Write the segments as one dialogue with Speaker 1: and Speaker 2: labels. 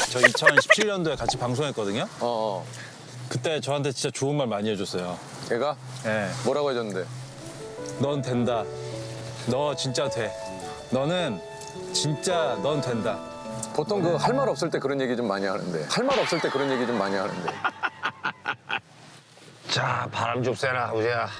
Speaker 1: 저 2017년도에 같이 방송했거든요.
Speaker 2: 어.
Speaker 1: 그때 저한테 진짜 좋은 말 많이 해줬어요.
Speaker 2: 걔가
Speaker 1: 예.
Speaker 2: 뭐라고 해줬는데?
Speaker 1: 넌 된다. 너 진짜 돼. 너는 진짜 넌 된다.
Speaker 2: 보통 그 할 말 없을 때 그런 얘기 좀 많이 하는데. 할 말 없을 때 그런 얘기 좀 많이 하는데.
Speaker 3: 자, 바람 좀 쐬라, 우재야.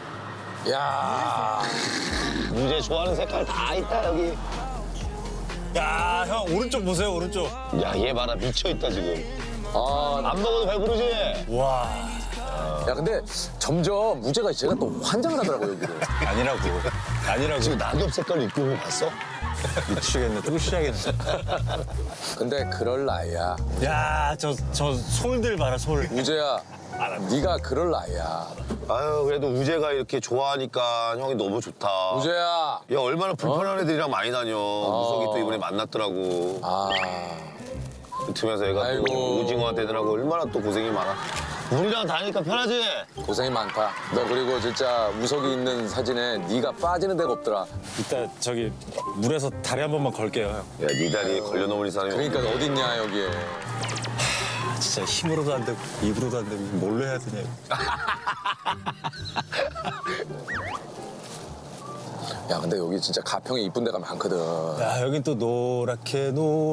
Speaker 2: 야.
Speaker 3: 우재 좋아하는 색깔 다 있다, 여기.
Speaker 1: 야, 형 오른쪽 보세요, 오른쪽.
Speaker 3: 야, 얘 봐라, 미쳐있다, 지금.
Speaker 2: 아,
Speaker 3: 안 먹어도 배부르지?
Speaker 1: 와.
Speaker 2: 야 근데 점점 우재가 제가 또 환장을 하더라고요 여기를.
Speaker 1: 아니라고.
Speaker 3: 지금 낙엽 색깔 입고 온 거 봤어?
Speaker 1: 미치겠네. 또 시작했네.
Speaker 2: 근데 그럴 나이야.
Speaker 1: 야, 저 솔들 봐라, 솔.
Speaker 2: 우재야, 네가 그럴 나이야.
Speaker 3: 아유, 그래도 우재가 이렇게 좋아하니까 형이 너무 좋다.
Speaker 2: 우재야.
Speaker 3: 야, 얼마나 불편한 애들이랑 많이 다녀. 무석이 또 이번에 만났더라고.
Speaker 2: 아,
Speaker 3: 그러면서 얘가
Speaker 2: 아이고.
Speaker 3: 또 오징어한테 애들하고 얼마나 또 고생이 많아. 우리랑 다니니까 편하지?
Speaker 2: 고생이 많다. 너 그리고 진짜 우석이 있는 사진에 네가 빠지는 데가 없더라.
Speaker 1: 이따 저기 물에서 다리 한 번만 걸게요, 형.
Speaker 3: 야, 네 다리에 걸려놓은 사람이
Speaker 2: 그러니까 어딨냐 여기에.
Speaker 1: 진짜 힘으로도 안 되고 입으로도 안 되고 뭘로 해야 되냐.
Speaker 2: 야 근데 여기 진짜 가평에 이쁜 데가 많거든.
Speaker 1: 야, 여긴 또 노랗게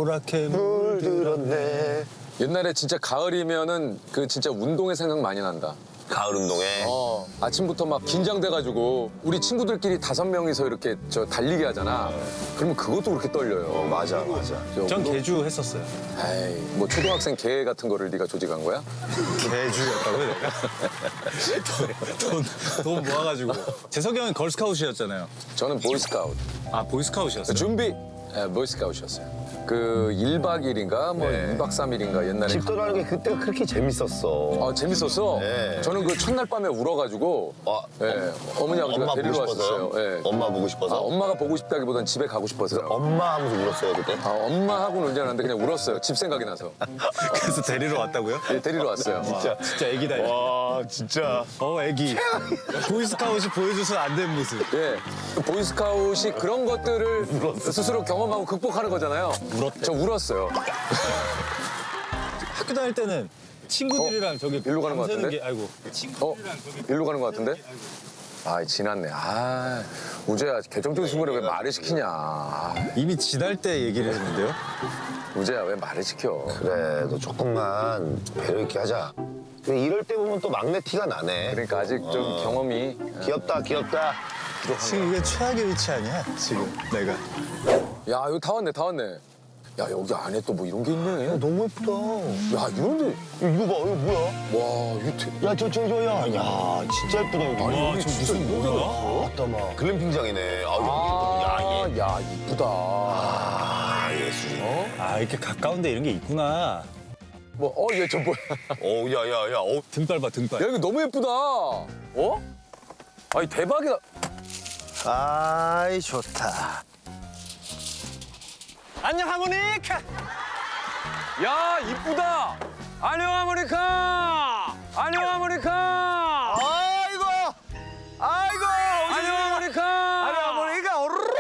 Speaker 3: 물들었네.
Speaker 2: 옛날에 진짜 가을이면은 그 진짜 운동의 생각 많이 난다.
Speaker 3: 가을 운동에.
Speaker 2: 아침부터 막 긴장돼가지고 우리 친구들끼리 5명이서 이렇게 저 달리기 하잖아. 그러면 그것도 그렇게 떨려요.
Speaker 3: 맞아.
Speaker 1: 전 개주 했었어요.
Speaker 2: 에이, 뭐 초등학생 개 같은 거를 네가 조직한 거야?
Speaker 1: 개주였다고요, 내가? 돈 모아가지고. 재석이 형은 걸스카웃이었잖아요.
Speaker 2: 저는 보이스카우트.
Speaker 1: 아, 보이스카웃이었어요?
Speaker 2: 준비. 네, 보이스카웃이었어요. 그 1박 2일인가 뭐
Speaker 3: 네.
Speaker 2: 2박 3일인가 옛날에.
Speaker 3: 집 떠나는 게 그때가 그렇게 재밌었어.
Speaker 2: 아, 재밌었어.
Speaker 3: 네.
Speaker 2: 저는 그 첫날 밤에 울어가지고 어머니 아버지가
Speaker 3: 엄마
Speaker 2: 데리러
Speaker 3: 보고 싶어서요?
Speaker 2: 왔었어요. 예.
Speaker 3: 엄마 보고 싶어서?
Speaker 2: 엄마가 보고 싶다기보단 집에 가고 싶어서요.
Speaker 3: 엄마 하면서 울었어요, 그때?
Speaker 2: 엄마하고는 울지 않았는데 그냥 울었어요. 집 생각이 나서.
Speaker 1: 그래서 데리러 왔다고요?
Speaker 2: 예, 데리러 왔어요.
Speaker 1: 진짜 애기다. 이거.
Speaker 3: 와, 진짜.
Speaker 1: 애기. 보이스카웃이 보여줘서 안 된 모습.
Speaker 2: 예. 그 보이스카웃이 그런 것들을 스스로 경험하고 극복하는 거잖아요.
Speaker 1: 울었대.
Speaker 2: 저 울었어요.
Speaker 1: 학교 다닐 때는 친구들이랑 저기
Speaker 2: 일로 가는 것
Speaker 1: 밤새는
Speaker 2: 같은데?
Speaker 1: 게 아이고.
Speaker 2: 일로 가는 것 같은데? 아, 지났네. 아, 우재야, 개정적인 순간에 왜 말을 시키냐. 아,
Speaker 1: 이미 지날 때 얘기를 했는데요.
Speaker 2: 우재야, 왜 말을 시켜.
Speaker 3: 그래, 너 조금만 배려 있게 하자. 근데 이럴 때 보면 또 막내 티가 나네.
Speaker 2: 그러니까 아직 좀 경험이.
Speaker 3: 귀엽다.
Speaker 1: 지금 이게 최악의 위치 아니야? 지금 내가.
Speaker 2: 야, 여기 다 왔네. 야, 여기 안에 또 뭐 이런 게 있네.
Speaker 3: 너무 예쁘다.
Speaker 2: 야, 이런데.
Speaker 3: 이거 봐, 이거 뭐야?
Speaker 2: 와, 이거
Speaker 3: 야, 야, 진짜 예쁘다, 이거.
Speaker 2: 아니, 여기 진짜 이런 데가 있어?
Speaker 3: 맞다, 막. 글램핑장이네. 아,
Speaker 2: 아,
Speaker 3: 여기
Speaker 2: 야, 이쁘다.
Speaker 3: 아, 예술이네.
Speaker 1: 아, 이렇게 가까운데 이런 게 있구나.
Speaker 2: 얘 저 뭐야.
Speaker 3: 야.
Speaker 1: 등발 봐, 등발.
Speaker 2: 야, 이거 너무 예쁘다. 아니, 대박이다.
Speaker 4: 아이 좋다.
Speaker 2: 안녕, 하모니카. 야, 이쁘다. 안녕, 하모니카. 안녕, 하모니카.
Speaker 4: 아이고
Speaker 2: 안녕, 하모니카.
Speaker 4: 할아버지가 오르륵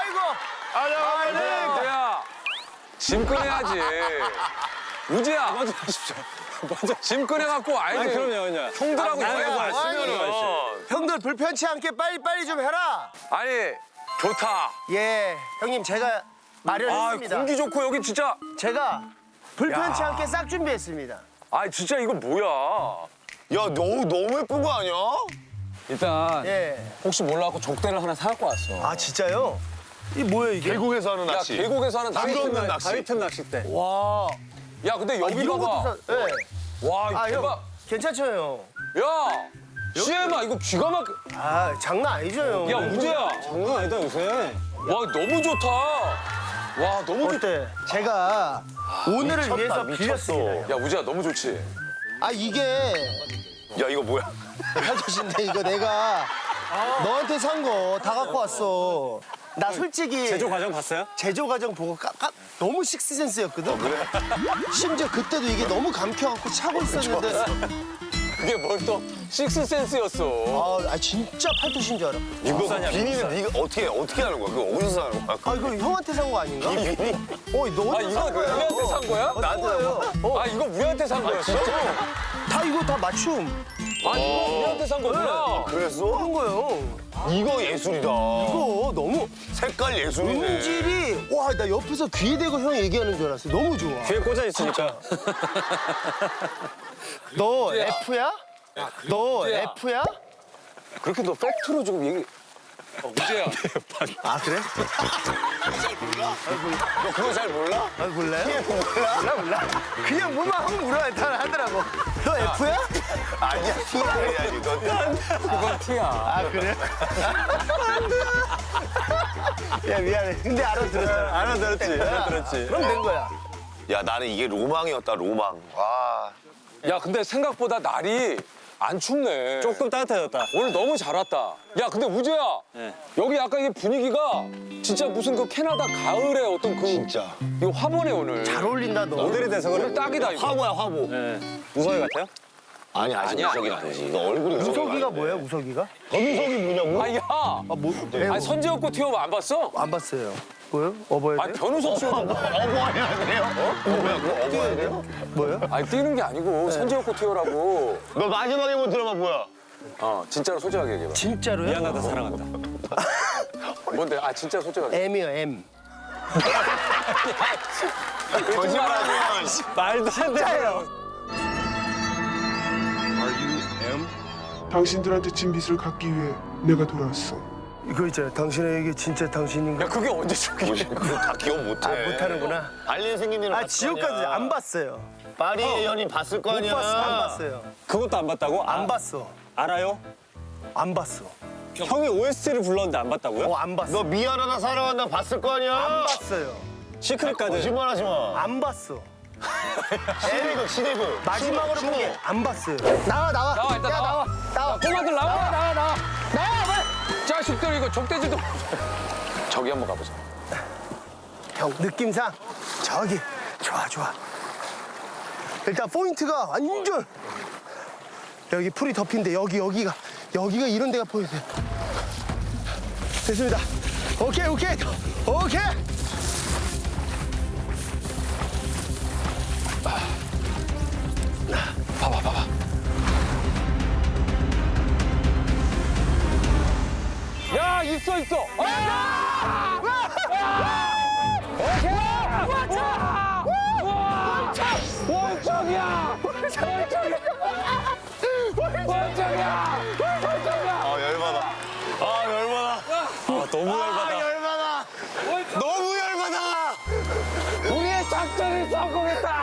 Speaker 4: 아이고
Speaker 2: 야, 짐 꺼내야지. 우지야. 먼저 하십시오. 짐 꺼내갖고 와야지.
Speaker 1: 그럼요.
Speaker 2: 형들하고 여행
Speaker 4: 아이고,
Speaker 2: 왔으면.
Speaker 4: 형들 불편치 않게 빨리 좀 해라.
Speaker 2: 아니, 좋다.
Speaker 4: 예 형님 제가 마련했습니다.
Speaker 2: 공기 좋고 여기 진짜.
Speaker 4: 제가 불편치 않게 싹 준비했습니다.
Speaker 2: 진짜 이거 뭐야.
Speaker 3: 야, 너무 예쁜 거 아니야?
Speaker 2: 일단
Speaker 4: 예.
Speaker 2: 혹시 몰라갖고 족대를 하나 사갖고 왔어.
Speaker 4: 아 진짜요? 이 뭐예요 이게?
Speaker 3: 계곡에서 하는 낚시.
Speaker 2: 계곡에서 하는
Speaker 3: 남도없는 낚시.
Speaker 1: 가위틈 낚싯대.
Speaker 4: 와.
Speaker 2: 야, 근데 여기
Speaker 4: 이런
Speaker 2: 봐봐.
Speaker 4: 것도 사. 예.
Speaker 2: 와, 이거
Speaker 4: 아
Speaker 2: 대박.
Speaker 4: 형 괜찮죠 형?
Speaker 2: 야, 시엠아 이거 기가 막.
Speaker 4: 아 장난 아니죠 형?
Speaker 2: 야, 우재야.
Speaker 1: 장난 아니다, 요새.
Speaker 2: 와, 너무 좋다. 와, 너무 좋다.
Speaker 4: 어때? 제가 오늘을 위해서 빌렸습니다.
Speaker 2: 야, 우재야, 너무 좋지.
Speaker 4: 아 이게
Speaker 3: 야, 이거 뭐야?
Speaker 4: 아저씨인데 이거 내가 너한테 산 거 다 갖고 왔어. 나 솔직히
Speaker 1: 제조 과정 봤어요?
Speaker 4: 제조 과정 보고 너무 식스센스였거든. 심지어 그때도 이게 너무 감켜갖고 차고 있었는데
Speaker 2: 그게 뭘 또 식스센스였어.
Speaker 4: 아 진짜 팔토시인 줄 알아.
Speaker 3: 이거 비니는 네가 어떻게 하는 거야? 그거 어디서 사는 거야?
Speaker 4: 아 이거 형한테 산 거 아닌가?
Speaker 3: 비니?
Speaker 4: 너
Speaker 2: 아
Speaker 4: 어디
Speaker 2: 이거
Speaker 4: 산 거야?
Speaker 2: 우리한테 산 거야?
Speaker 4: 나한테
Speaker 2: 아 이거 우리한테 산 거였어?
Speaker 4: 다 이거 다 맞춤.
Speaker 2: 아 이거 우리한테 산 거구나.
Speaker 3: 그랬어?
Speaker 4: 그런 거예요.
Speaker 3: 이거 예술이다.
Speaker 4: 이거 너무
Speaker 3: 색깔 예술이네.
Speaker 4: 음질이 와 나 옆에서 귀에 대고 형 얘기하는 줄 알았어. 너무 좋아.
Speaker 1: 귀에 꽂아 있으니까.
Speaker 4: 너 F야? 너
Speaker 2: 우재야.
Speaker 4: F야?
Speaker 2: 그렇게 너 팩트로 지금 얘기. 우재야.
Speaker 4: 아 그래?
Speaker 3: 너 그거 잘 몰라?
Speaker 4: 아 몰라요?
Speaker 3: 몰라?
Speaker 4: 몰라. 그냥 뭐만 하면 물어야 다 하더라고. 너 F야?
Speaker 3: 아니야, 티가 아니야, 너.
Speaker 2: 그건 티야.
Speaker 4: 아 그래? 야 미안해. 근데 알아들었잖아.
Speaker 1: 알아들었지.
Speaker 4: 그럼 된 거야.
Speaker 3: 야, 나는 이게 로망이었다, 로망. 와.
Speaker 2: 야 근데 생각보다 날이 안 춥네.
Speaker 1: 조금 따뜻해졌다.
Speaker 2: 오늘 너무 잘 왔다. 야 근데 우재야.
Speaker 1: 네.
Speaker 2: 여기 약간 이게 분위기가 진짜 무슨 그 캐나다 가을의 어떤 그
Speaker 3: 진짜.
Speaker 2: 이거 화보네 오늘.
Speaker 4: 잘 어울린다 너.
Speaker 1: 모델이 돼서 그래.
Speaker 2: 오늘 딱이다 이거.
Speaker 3: 화보야, 화보.
Speaker 1: 네. 무서이 같아요?
Speaker 3: 아니, 아직
Speaker 2: 아니야,
Speaker 3: 무석이
Speaker 2: 아니야.
Speaker 3: 아니지. 너 얼굴이
Speaker 4: 우석이가 뭐야 우석이가?
Speaker 3: 검석이 뭐냐고?
Speaker 2: 아 야.
Speaker 4: 아 뭐?
Speaker 2: 아니 선지엽고 티오 안 봤어?
Speaker 4: 안 봤어요. 뭐요? 어버야
Speaker 2: 아니
Speaker 4: 돼?
Speaker 2: 변우석 씨도
Speaker 3: 어버해야 돼요? 뭐야, 그거 어버해야 돼요?
Speaker 4: 뭐요?
Speaker 2: 아니 뛰는 게 아니고 선지엽고 티오라고.
Speaker 3: 너 마지막에 본 드라마 뭐야?
Speaker 2: 진짜로 솔직하게 얘기해봐.
Speaker 4: 진짜로요?
Speaker 1: 미안하다 사랑한다.
Speaker 2: 뭔데? 아 진짜 솔직하게.
Speaker 4: M이요 M.
Speaker 3: 거짓말하지 마.
Speaker 1: 말도 안 돼요.
Speaker 5: 당신들한테 진 빚을 갚기 위해 내가 돌아왔어.
Speaker 4: 이거 있잖아. 당신에게 진짜 당신인가?
Speaker 2: 야 그게 언제 저기?
Speaker 3: 그거 다 기억 못해.
Speaker 4: 아 못하는구나.
Speaker 3: 알린 생긴
Speaker 4: 아 지옥까지 안 봤어요.
Speaker 3: 파리의 연인 봤을 거
Speaker 4: 못
Speaker 3: 아니야.
Speaker 4: 봤어. 안 봤어요.
Speaker 1: 그것도 안 봤다고?
Speaker 4: 안 봤어.
Speaker 1: 알아요?
Speaker 4: 안 봤어.
Speaker 1: 형이 OST를 불렀는데 안 봤다고요?
Speaker 4: 안 봤어.
Speaker 3: 너 미안하다 사랑한다 봤을 거 아니야.
Speaker 4: 안 봤어요.
Speaker 1: 시크릿 가든.
Speaker 3: 거짓말하지 마.
Speaker 4: 안 봤어.
Speaker 3: 시대극.
Speaker 4: 마지막으로 본 게 안 봤어요. 나와.
Speaker 2: 나와, 일단
Speaker 4: 야,
Speaker 2: 나와.
Speaker 4: 나와.
Speaker 2: 꼬마들 나와.
Speaker 4: 나와. 빨리.
Speaker 2: 자식들 이거 족대지도. 저기 한번 가보자.
Speaker 4: 형 느낌상 저기 좋아. 일단 포인트가 완전 여기 풀이 덮인데 여기가 이런 데가 포인트야. 됐습니다. 오케이.
Speaker 2: 봐봐. 야 있어.
Speaker 3: 아 열받아.
Speaker 1: 아, 너무 열받아.
Speaker 3: 너무 열받아.
Speaker 2: 우리의 작전이 성공했다.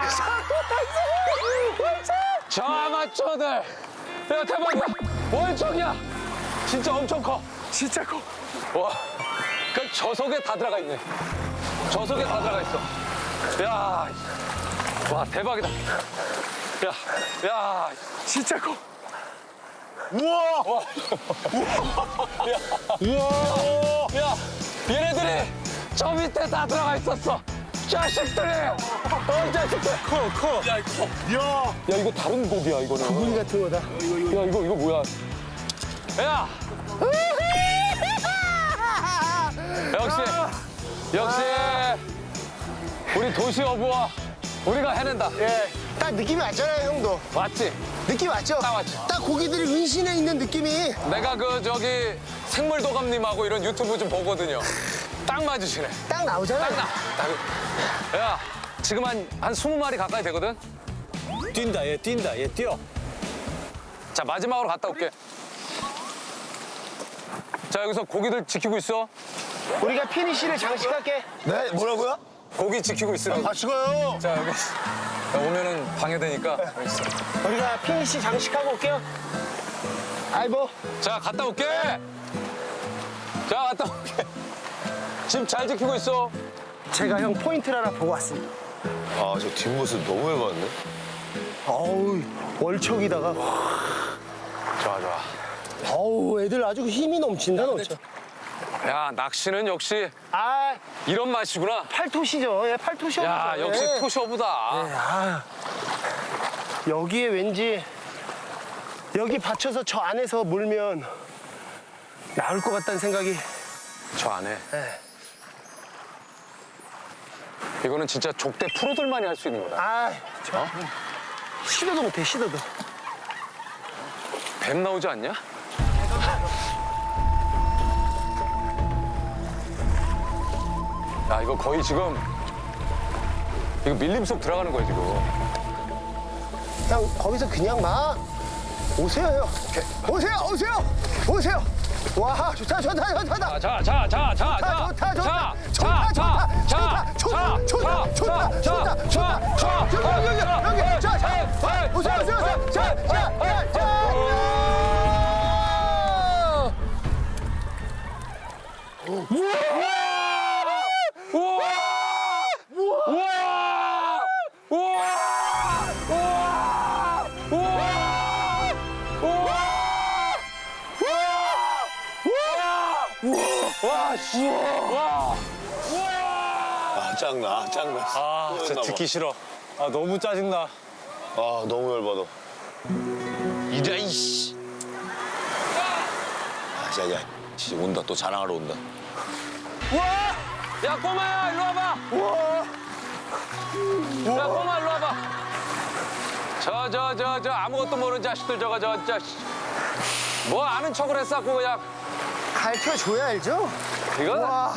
Speaker 2: 저 아마추어들. 야 대박이야. 월척이야. 진짜 엄청 커.
Speaker 4: 진짜 커.
Speaker 2: 와. 그 저속에 다 들어가 있네. 저속에 다 들어가 있어. 야. 와 대박이다. 야.
Speaker 4: 진짜 커.
Speaker 2: 야, 얘네들이 저 밑에 다 들어가 있었어. 자식들이. 자식들. 커. 야, 이거 다른 곡이야, 이거는.
Speaker 4: 구리 같은 거다.
Speaker 2: 야, 이거 뭐야. 야. 역시. 우리 도시 어부와 우리가 해낸다.
Speaker 4: 예. 딱 느낌이 왔잖아요, 형도.
Speaker 2: 맞지?
Speaker 4: 느낌 왔죠?
Speaker 2: 딱 왔지.
Speaker 4: 딱 고기들이 은신해 있는 느낌이.
Speaker 2: 내가 생물도감님하고 이런 유튜브 좀 보거든요. 딱 맞으시네.
Speaker 4: 딱 나오잖아.
Speaker 2: 야, 지금 한 20마리 가까이 되거든?
Speaker 1: 뛴다, 얘 뛰어.
Speaker 2: 자, 마지막으로 갔다 올게. 자, 여기서 고기들 지키고 있어.
Speaker 4: 우리가 피니쉬를 장식할게.
Speaker 3: 네 뭐라고요?
Speaker 2: 고기 지키고 있으라고.
Speaker 3: 같이 가요.
Speaker 2: 자, 여기. 야, 오면은 방해되니까. 여기 있어.
Speaker 4: 우리가 피니쉬 장식하고 올게요. 아이고.
Speaker 2: 자, 갔다 올게. 자, 갔다 올게. 집 잘 지키고 있어.
Speaker 4: 제가 형 포인트를 하나 보고 왔습니다.
Speaker 3: 아저 뒷모습 너무 열받네.
Speaker 4: 어우, 월척이다가.
Speaker 2: 좋아.
Speaker 4: 어우, 애들 아주 힘이 넘친다, 넘쳐.
Speaker 2: 야, 낚시는 역시
Speaker 4: 아,
Speaker 2: 이런 맛이구나.
Speaker 4: 팔토시죠. 예, 팔토시.
Speaker 2: 야, 역시
Speaker 4: 예.
Speaker 2: 토시어부다.
Speaker 4: 아, 여기에 왠지 여기 받쳐서 저 안에서 몰면 나올 것 같다는 생각이.
Speaker 2: 저 안에.
Speaker 4: 네.
Speaker 2: 이거는 진짜 족대 프로들만이 할 수 있는 거다.
Speaker 4: 아, 저 시도도 못해, 시도도.
Speaker 2: 뱀 나오지 않냐? 야, 이거 거의 지금 이거 밀림 속 들어가는 거야, 지금.
Speaker 4: 형 거기서 그냥 막 오세요, 형. 오세요, 오세요, 오세요. 와, 좋다, 좋다, 좋다.
Speaker 2: 자.
Speaker 4: 좋다, 좋다, 좋다, 좋다, 좋다, 좋다, 좋다, 좋다, 좋다, 좋다, 여기, 자, 오세요, 오세요, 오세요, 자.
Speaker 3: 아, 짱나, 짱나.
Speaker 1: 아, 진짜 듣기 싫어. 아, 너무 짜증나.
Speaker 3: 아, 너무 열받아. 이래, 이씨. 아, 야, 진짜 온다. 또 자랑하러 온다.
Speaker 2: 야, 꼬마야, 일로 와봐. 야, 꼬마, 일로 와봐. 저 아무것도 모르는 자식들 뭐 아는 척을 했었고 그냥
Speaker 4: 가르쳐줘야 알죠?
Speaker 2: 이거
Speaker 4: 와,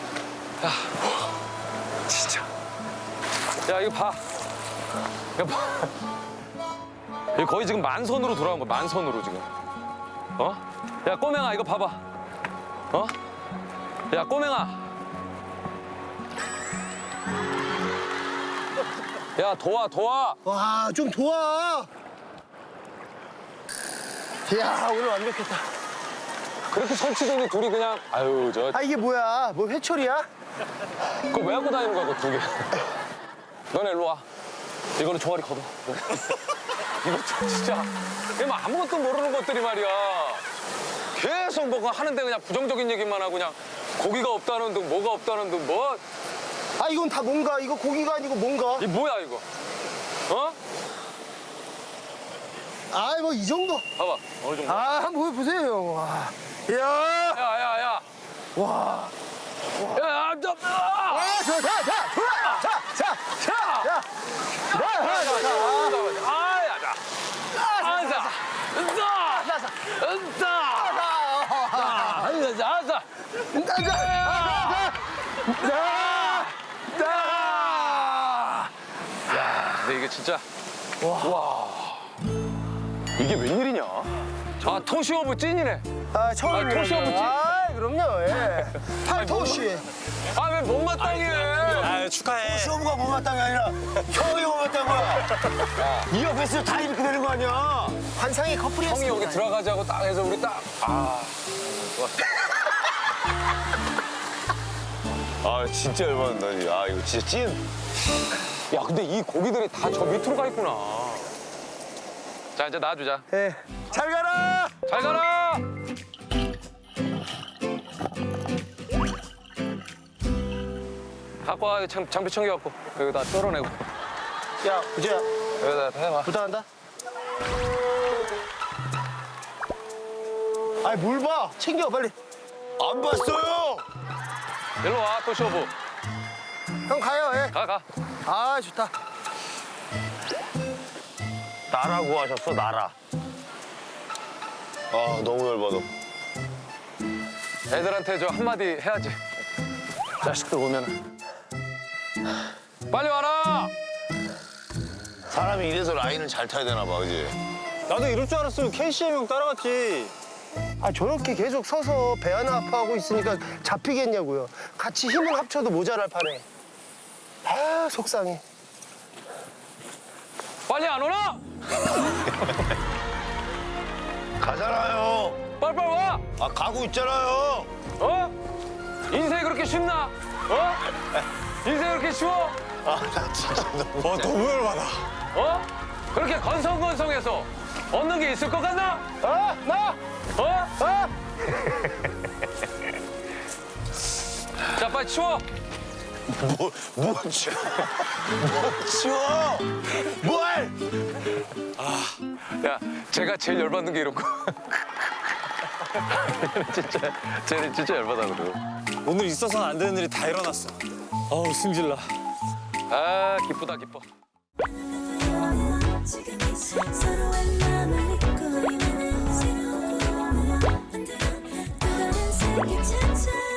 Speaker 2: 진짜. 야, 이거 봐. 이거 봐. 이거 거의 지금 만선으로 돌아온 거야, 만선으로 지금. 어? 야, 꼬맹아, 이거 봐봐. 어? 야, 꼬맹아. 야, 도와.
Speaker 4: 와, 좀 도와. 이야, 오늘 완벽했다.
Speaker 2: 그렇게 설치더니 둘이 그냥, 아유,
Speaker 4: 아, 이게 뭐야? 뭐 회초리야?
Speaker 2: 그거 왜 하고 다니는 거야, 그거 두 개. 너네 일로 와. 이거는 종아리 걷어. 이거 진짜. 이거 뭐 아무것도 모르는 것들이 말이야. 계속 뭐가 하는데 그냥 부정적인 얘기만 하고 그냥 고기가 없다는 둥, 뭐가 없다는 둥, 뭐.
Speaker 4: 아, 이건 다 뭔가? 이거 고기가 아니고 뭔가?
Speaker 2: 이 뭐야, 이거? 어?
Speaker 4: 아, 뭐 이 정도?
Speaker 2: 봐봐. 어느 정도.
Speaker 4: 아, 한번 보세요, 형. 와. 이야.
Speaker 2: 야.
Speaker 4: 와.
Speaker 2: 야, 저,
Speaker 4: 아, 좋아.
Speaker 2: 근데 이게 진짜. 와. 이게 웬일이냐? 아, 토시오브 찐이네.
Speaker 4: 아, 처음이에요.
Speaker 2: 토시오브 찐.
Speaker 4: 아, 그럼요. 예. 팔토시.
Speaker 2: 아, 왜 못마땅해?
Speaker 1: 아, 축하해.
Speaker 3: 시험가 못마땅이 아니라 형이 못마땅 거야. 이 옆에서 다 이렇게 되는 거 아니야?
Speaker 4: 환상의 커플이었습니다.
Speaker 2: 형이 여기 들어가자고 딱 해서 우리 딱. 아.
Speaker 3: 아, 진짜 열받는다. 아, 이거 진짜 찐.
Speaker 2: 야, 근데 이 고기들이 다 저 밑으로 가 있구나. 자, 이제 놔주자.
Speaker 4: 예. 잘 가라.
Speaker 2: 잘 가라! 갖고 와, 장비 챙겨갖고. 여기다 썰어내고.
Speaker 4: 야, 우재야.
Speaker 2: 여기다 해봐.
Speaker 4: 부탁한다. 아이, 뭘 봐. 챙겨, 빨리.
Speaker 3: 안 봤어요.
Speaker 2: 일로 와, 토시오브.
Speaker 4: 형 가요, 예.
Speaker 2: 가.
Speaker 4: 아, 좋다.
Speaker 3: 나라고 하셨어, 나라. 아, 너무 열받아.
Speaker 2: 애들한테 저 한마디 해야지. 자식들 오면은. 빨리 와라!
Speaker 3: 사람이 이래서 라인을 잘 타야 되나 봐, 그지?
Speaker 1: 나도 이럴 줄 알았으면 KCM 형 따라갔지.
Speaker 4: 아, 저렇게 계속 서서 배 하나 아파하고 있으니까 잡히겠냐고요. 같이 힘을 합쳐도 모자랄 판에. 아, 속상해.
Speaker 2: 빨리 안 오나?
Speaker 3: 가잖아요.
Speaker 2: 빨리 와!
Speaker 3: 아, 가고 있잖아요.
Speaker 2: 어? 인생이 그렇게 쉽나? 어? 인생이 그렇게 쉬워?
Speaker 3: 아, 나 진짜 너무.
Speaker 1: 너무 열받아.
Speaker 2: 어? 그렇게 건성건성해서 얻는 게 있을 것 같나?
Speaker 4: 어? 나?
Speaker 2: 어? 자, 빨리 치워.
Speaker 3: 뭐 치워? 뭘 치워? 뭘?
Speaker 2: 야, 제가 제일 열받는 게 이런 거. 쟤는 진짜 열받아거든.
Speaker 1: 오늘 있어서는 안 되는 일이 다 일어났어. 어우 승질나.
Speaker 2: 아, 기쁘다, 기뻐.
Speaker 6: 지금 이 서로의 마음을 잊고 있는 새로운 꿈을 만들어 또 다른 세계 찾아